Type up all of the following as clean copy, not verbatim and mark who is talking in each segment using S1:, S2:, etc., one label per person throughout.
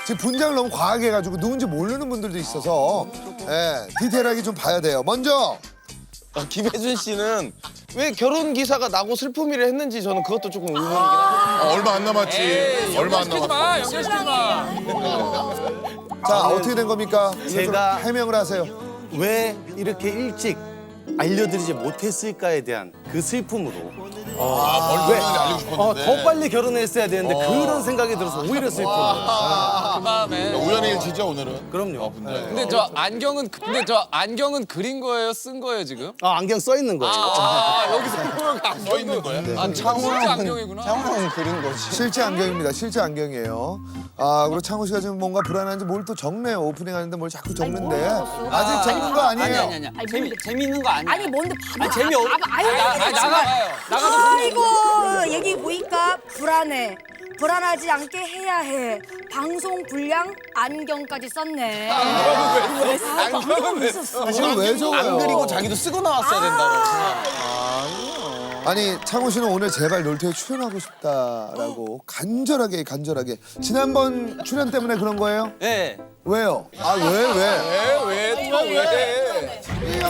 S1: 지금 분장을 너무 과하게 해가지고 누군지 모르는 분들도 있어서 디테일하게 좀 봐야 돼요. 먼저
S2: 김혜준 씨는 왜 결혼 기사가 나고 슬픔이를 했는지 저는 그것도 조금 의문이긴 한데.
S3: 얼마 안 남았지. 얼마 안 남았어.
S4: 연결시키지 마.
S1: 자 어떻게 된 겁니까?
S5: 제가-
S1: 해명을 하세요.
S5: 왜 이렇게 일찍 알려드리지 못했을까에 대한 그 슬픔으로
S3: 왜 알고 싶었는데.
S5: 더 빨리 결혼했어야 되는데 그런 생각이 들어서 오히려 슬픔.
S4: 그 마음에.
S3: 우연의 일치죠 오늘은.
S5: 그럼요.
S4: 근데 저 안경은 그린 거예요, 쓴 거예요 지금?
S5: 안경 써 있는 거예요.
S4: 여기서 보면
S3: 써 있는 거야.
S4: 아, 진짜 안경이구나.
S2: 창호는 그린 거지.
S1: 실제 안경입니다. 실제 안경이에요. 아 그리고 창호 씨가 지금 뭔가 불안한지 뭘 또 적네요. 오프닝 하는데 뭘 자꾸 적는데 아직 적는 거 아니에요.
S6: 아니 재미있는 거 아니야.
S7: 아니 뭔데 봐봐.
S6: 재미 없.
S7: 아유
S6: 나가도
S7: 아이고 얘기 보니까 불안해. 불안하지 않게 해야 해. 방송 분량 안경까지 썼네.
S4: 안경은 왜 써?
S1: 이걸 왜 적어요?
S2: 안 그리고 자기도 쓰고 나왔어야 된다고.
S1: 아니 창호 씨는 오늘 제발 놀토에 출연하고 싶다라고 간절하게 지난번 출연 때문에 그런 거예요?
S6: 네.
S1: 왜요? 아 왜?
S4: 왜?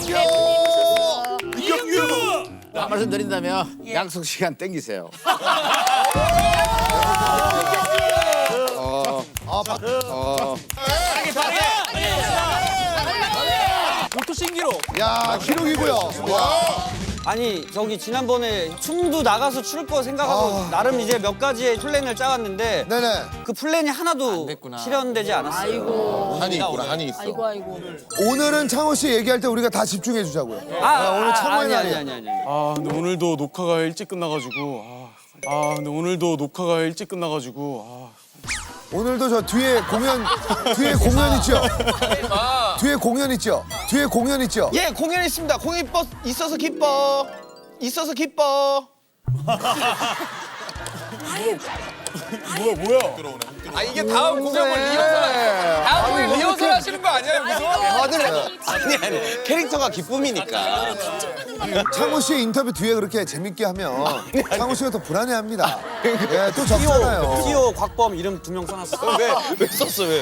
S8: 한 말씀 드린다면 약속 시간 땡기세요.
S6: 로또 신기록.
S1: 야 기록이고요.
S6: 아니 저기 지난번에 춤도 나가서 출 거 생각하고 나름 이제 몇 가지의 플랜을 짜왔는데
S1: 네네.
S6: 그 플랜이 하나도
S4: 됐구나.
S6: 실현되지 않았어요.
S7: 아이고
S3: 한이 있구나 한이 있어.
S7: 아이고.
S1: 오늘은 창호 씨 얘기할 때 우리가 다 집중해 주자고요. 오늘 창호의
S6: 아니
S1: 날이에요.
S6: 아니.
S9: 아 근데 오늘도 녹화가 일찍 끝나가지고 근데 오늘도 녹화가 일찍 끝나가지고
S1: 오늘도 저 뒤에 공연 있죠? 뒤에 공연 있죠?
S2: 예, 공연 있습니다. 공연 있어서 기뻐. 있어서 기뻐.
S4: 아 이게 다음 공연을 리허설 하시는 거 아니에요?
S2: 아니 캐릭터가 기쁨이니까.
S1: 창호 씨 인터뷰 뒤에 그렇게 재밌게 하면 창호 씨가 더 불안해합니다. 예, 또 적잖아요.
S6: 티오 곽범 이름 2명 써놨어.
S2: 왜 썼어 왜?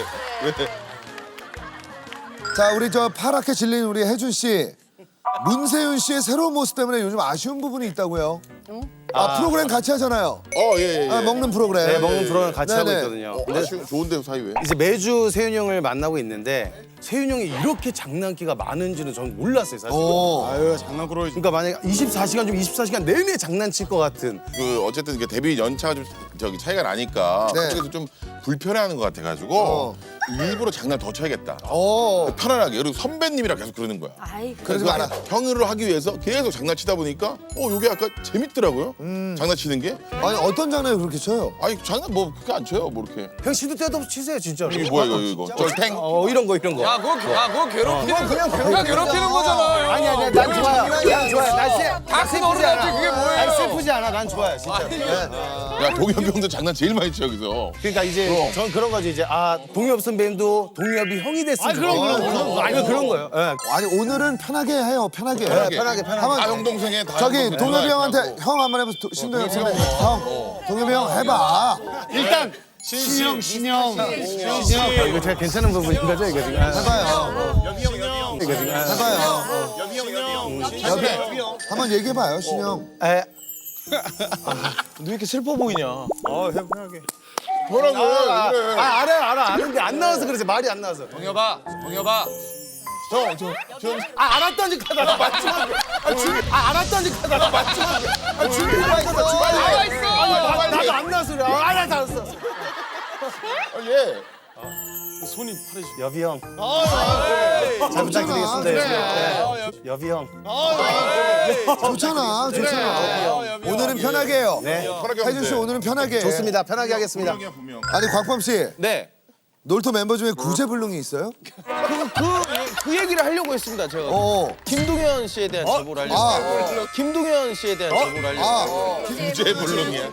S1: 자, 우리 저 파랗게 질린 우리 혜준 씨. 문세윤 씨의 새로운 모습 때문에 요즘 아쉬운 부분이 있다고요. 프로그램 같이 하잖아요.
S3: 예.
S1: 먹는 프로그램.
S5: 네, 먹는 프로그램 같이 하고
S1: 네네.
S5: 있거든요.
S3: 좋은데 사이 왜?
S5: 이제 매주 세윤 형을 만나고 있는데 세윤 형이 이렇게 장난기가 많은지는 저는 몰랐어요, 사실.
S9: 아유 장난꾸러기.
S5: 그러니까 만약에 24시간 중 24시간 내내 장난칠 것 같은.
S3: 그 어쨌든 이게 데뷔 연차가 좀 저기 차이가 나니까
S1: 네.
S3: 그쪽에서 좀 불편해하는 것 같아가지고 일부러 장난 더 쳐야겠다. 편안하게. 그리고 선배님이라 계속 그러는 거야.
S7: 아이고.
S1: 그러지 마라.
S3: 형을 하기 위해서 계속 장난치다 보니까 이게 약간 재밌더라고요. 장난치는 게.
S1: 아니, 어떤 장난을 그렇게 쳐요?
S3: 아니 장난 뭐 그렇게 안 쳐요. 뭐 이렇게.
S5: 형 시도 때도 없이 치세요, 진짜로.
S3: 이게 뭐야 이거. 쫄탱.
S5: 이런 거.
S4: 야 그거 괴롭히는 그냥 괴롭히는 거잖아.
S5: 아니, 난 좋아요. 난 좋아요.
S4: 다큰 어른한테 그게 뭐예요?
S5: 난 슬프지 않아. 난 좋아요, 진짜.
S3: 야 동엽이 형도 장난 제일 많이 쳐 여기서.
S5: 그러니까 이제 전 그런 거지 이제 동엽 선배님도 동엽이 형이 됐으면 그런 거예요. 예.
S1: 아니, 오늘은 편하게 해요. 편하게.
S3: 편하게.
S1: 한번
S3: 형 동생의 다
S1: 저기
S3: 형 동생
S1: 동엽이
S3: 전화할
S1: 형한테
S3: 거라고.
S1: 형 한번 해보세요. 신동엽 선배. 형. 동엽이 형 해봐.
S9: 일단 신영.
S5: 이거 제가 괜찮은 부분인 거죠, 이거 지금?
S1: 해봐요.
S5: 이거 지금?
S1: 해봐요. 여기 한번 얘기해봐요, 신영.
S5: 에,
S2: 너 왜 이렇게 슬퍼 보이냐?
S3: 뭐라고 해? 그래.
S5: 알아요. 아는데 안 나와서 그러지, 말이 안 나와서.
S4: 동엽아.
S5: 알았다니까, 나 맞지마. 알았다니까, 나 맞지마.
S4: 나와 있어.
S5: 나도 안 나와서 그래. 알았어.
S3: 예.
S9: 손이 파래지.
S5: 여비 형. 잘 부탁드리겠습니다. 네. 여비 형.
S1: 좋잖아. 오늘은 편하게 해요.
S5: 네.
S1: 혜준 씨 오늘은 편하게 해.
S5: 좋습니다. 편하게 하겠습니다.
S3: 분명이야 분명.
S1: 아니, 곽범 씨.
S2: 네.
S1: 놀토 멤버 중에 구제불능이 있어요?
S2: 그 얘기를 하려고 했습니다. 제가. 김동현 씨에 대한 제보를 하려고. 김동현 씨에 대한 제보를 하려고.
S3: 구제불능이야.